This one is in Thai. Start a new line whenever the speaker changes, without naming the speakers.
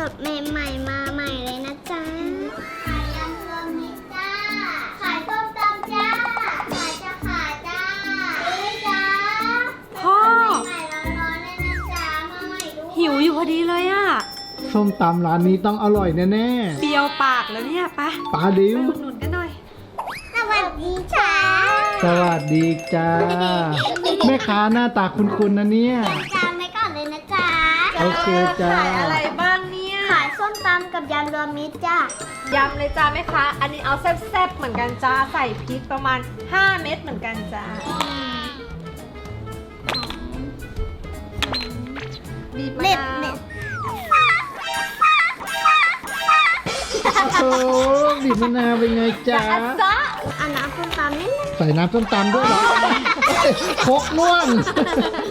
ดๆใหม่ๆมาใหม่เลยนะจ๊ะขายยำรวมมิตรจ้าขายส้มตำจ้าขายจะขายจ้าจ้า
พ่อ
ใหม่ๆร้อนๆเลยนะจ๊ะมาใหม่ด้วย
หิวอยู่พอดีเลยอะ
ส้มตำร้านนี้ต้องอร่อยแน่
เปรี้ยวปากแล้วเนี่ยไป
ๆปลาดิว
ไปอุดหนุนกันหน่อย
สวัสดีจ้า
สวัสดีจ้า แม่ค้าหน้าตาคุ้นๆนะเนี่ย
จานไว้ก่อนเลยนะจ๊ะ
โอเคจ้า
ขายอะไรบ้างเนี่ย
ขายส้มตำกับยำรวมมิตรจ้าย
ำเลยจ้าแม่ค้าอันนี้เอาแซ่บๆเหมือนกันจ้าใส่พริกประมาณ5 เม็ดเหมือนกันจ้าบีบมะ
เด็ด
นาว
เด็ด
โอ้โหบีบมะนาวเป็นไงจ๊ะ
จ้า
เอาน้ำส้มตำนิดนึง
ใส่น้ำส้มตำด้วยเหรอ ครกล่วง